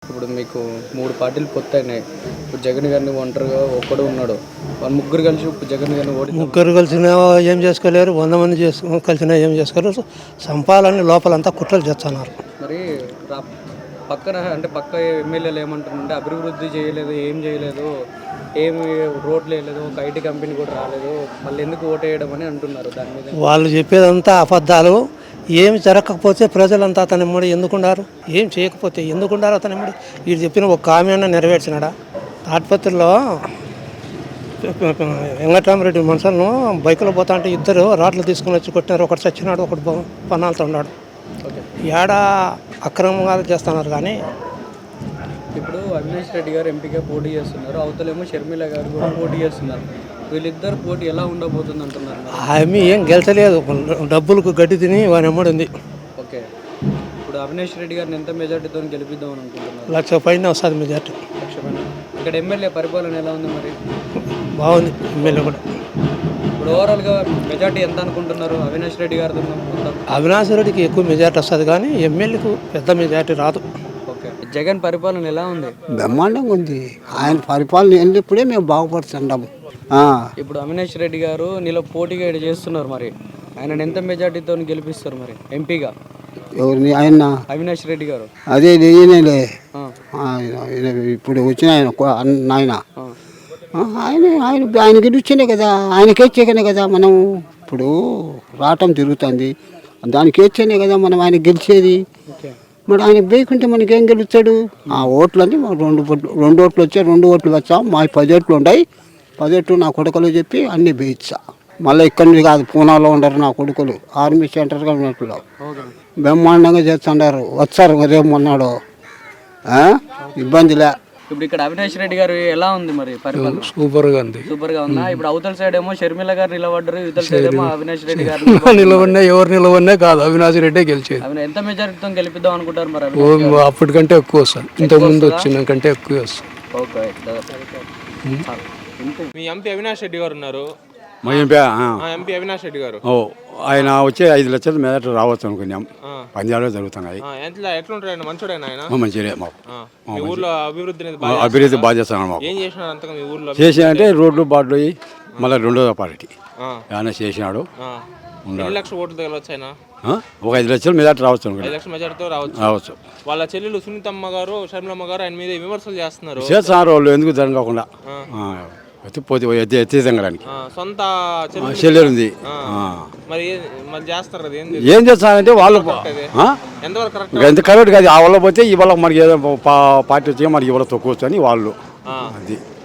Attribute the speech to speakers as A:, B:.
A: ఇప్పుడు మీకు 3 పార్టీలు పొత్తయినాయి. ఇప్పుడు జగన్ గారిని ఒంటరిగా ఒక్కడు ఉన్నాడు. వాళ్ళు ముగ్గురు కలిసి ఇప్పుడు జగన్ గారిని
B: ముగ్గురు కలిసినా ఏం చేసుకోలేరు, 100 మంది కలిసినా ఏం చేసుకోలేరు. సంపాలని లోపలంతా కుట్రలు చేస్తున్నారు.
A: మరి పక్కన అంటే పక్క ఎమ్మెల్యేలు ఏమంటారంటే అభివృద్ధి చేయలేదు, ఏం చేయలేదు, ఏమి రోడ్లు వేయలేదు, ఒక ఐటీ కంపెనీ కూడా రాలేదు, మళ్ళీ ఎందుకు ఓటేయడం అని అంటున్నారు. దాని మీద
B: వాళ్ళు చెప్పేదంతా అబద్ధాలు. ఏమి జరగకపోతే ప్రజలంతా అతని ఎమ్మడి ఎందుకున్నారు, ఏం చేయకపోతే ఎందుకున్నారు అతని ఎమ్మడి. వీడు చెప్పిన ఒక హామీ నెరవేర్చినాడా? తాటిపత్రిలో వెంకటరామరెడ్డి మనుషులను బైకులో పోతా అంటే ఇద్దరు రాట్లు తీసుకుని వచ్చి కొట్టినారు. ఒకటి చచ్చినాడు, ఒకటి పన్నాలతో ఉన్నాడు. ఏడా అక్రమంగా చేస్తున్నారు. కానీ
A: ఇప్పుడు అవినాష్ రెడ్డి గారు ఎంపీగా పోటీ చేస్తున్నారు, అవతలేమో షర్మిల గారు కూడా పోటీ చేస్తున్నారు. వీళ్ళిద్దరు పోటీ ఎలా ఉండబోతుంది అంటున్నారు?
B: హామీ ఏం గెలిచలేదు, డబ్బులకు గడ్డి తిని వాని ఎమ్మడింది.
A: ఓకే, ఇప్పుడు అవినాష్ రెడ్డి గారిని ఎంత మెజార్టీతో గెలిపిద్దాం అని అనుకుంటున్నారు?
B: 1,00,000 పైన వస్తుంది మెజార్టీ.
A: 1,00,000 పైన. ఇక్కడ ఎమ్మెల్యే పరిపాలన ఎలా ఉంది మరి?
B: బాగుంది. ఎమ్మెల్యే కూడా
A: ఇప్పుడు ఓవరాల్గా మెజార్టీ ఎంత అనుకుంటున్నారు అవినాష్ రెడ్డి గారితో?
B: అవినాష్ రెడ్డికి ఎక్కువ మెజార్టీ వస్తుంది, కానీ ఎమ్మెల్యేకు పెద్ద మెజార్టీ రాదు.
A: ఓకే, జగన్ పరిపాలన ఎలా ఉంది?
C: బ్రహ్మాండంగా ఉంది. ఆయన పరిపాలన వెళ్ళినప్పుడే మేము బాగుపడుతున్నాము.
A: ఇప్పుడు అవినాష్ రెడ్డి గారు నీలో పోటీగా చేస్తున్నారు, మరి ఆయన ఎంత మెజార్టీతో గెలిపిస్తారు మరి ఎంపీగా?
C: ఎవరిని? ఆయన
A: అవినాష్ రెడ్డి గారు.
C: అదే ఈయనలే ఇప్పుడు వచ్చిన ఆయన ఆయన ఆయన ఆయన గెలిచినే కదా, ఆయనకి ఇచ్చేకనే కదా మనం ఇప్పుడు రావటం జరుగుతుంది. దానికి ఇచ్చేనే కదా మనం ఆయన గెలిచేది. మరి ఆయన వేయకుంటే మనకేం గెలుస్తాడు? ఆ ఓట్లన్నీ మాకు రెండు ఓట్లు వచ్చాయి, 2 ఓట్లు వచ్చాం. మా 10 ఓట్లు ఉన్నాయి. 10 ఓట్లు నా కొడుకులు చెప్పి అన్నీ వేయించా. మళ్ళీ ఇక్కడి కాదు, పూనాలో ఉండరు నా కొడుకులు, ఆర్మీ సెంటర్గా ఉన్నట్లు బ్రహ్మాండంగా చేస్తున్నారు. వచ్చారు రేపు మొన్నాడు, ఇబ్బందిలే.
A: ఇప్పుడు ఇక్కడ అవినాష్ రెడ్డి గారు ఎలా ఉంది మరి పరిపాలన?
B: సూపర్గా ఉంది.
A: సూపర్గా ఉందా? ఇప్పుడు అవతల సైడ్ ఏమో షర్మిల గారు నిలబడ్డారు, ఇవతల సైడ్ ఏమో అవినాష్ రెడ్డి గారు
B: నిలబడినా ఎవరు నిలబడినా కాదు, అవినాష్ రెడ్డే గెలిచేది.
A: ఎంత మెజారిటీతో గెలిపిద్దాం అనుకుంటారు మరి?
B: అప్పటికంటే ఎక్కువ వస్తుంది, ఇంతకుముందు వచ్చిన కంటే ఎక్కువ వస్తుంది.
A: ఓకే,
D: మీ ఎంపీ అవినాష్ రెడ్డి గారు ఉన్నారు.
E: మా
D: ఎంపీ అవినాష్ రెడ్డి గారు
E: ఆయన వచ్చే 5 లక్షల మెజార్టీ రావచ్చు అనుకున్నాం. పంజాబ్లో జరుగుతున్నాయి.
D: ఎట్లుంటారు? మంచోడేనా ఆయన?
E: మంచిగా
D: మీ ఊర్లో అభివృద్ధి
E: బాగా చేస్తున్నాడు. మాకు
D: ఏం చేసినారు అంతగా మీ ఊర్లో?
E: చేసినంటే రోడ్లు బాడ్లు మళ్ళీ 2వ పార్టీ ఆయన చేసినాడు.
D: 2 లక్షల ఓట్లు తగలవచ్చు ఆయన.
E: ఒక 5 లక్షల మెజార్టీ రావచ్చు అనుకున్నాం.
D: 5 లక్షల మెజార్టీతో రావచ్చు. వాళ్ళ చెల్లెలు సునీతమ్మ గారు, షర్మిలమ్మ గారు ఆయన మీద విమర్శలు చేస్తున్నారు.
E: వాళ్ళు ఎందుకు జరగకుండా పోతే ఎత్తించడానికి
D: సొంత
E: చెల్లెలు ఉంది.
D: మరి చేస్తారు కదా,
E: ఏం చేస్తారంటే వాళ్ళు ఎంత కరెక్ట్ కాదు. ఆ వల్ల పోతే ఇవాళ మనకి ఏదో పార్టీ వచ్చి మనకి ఇవాళ తక్కువ అని వాళ్ళు అది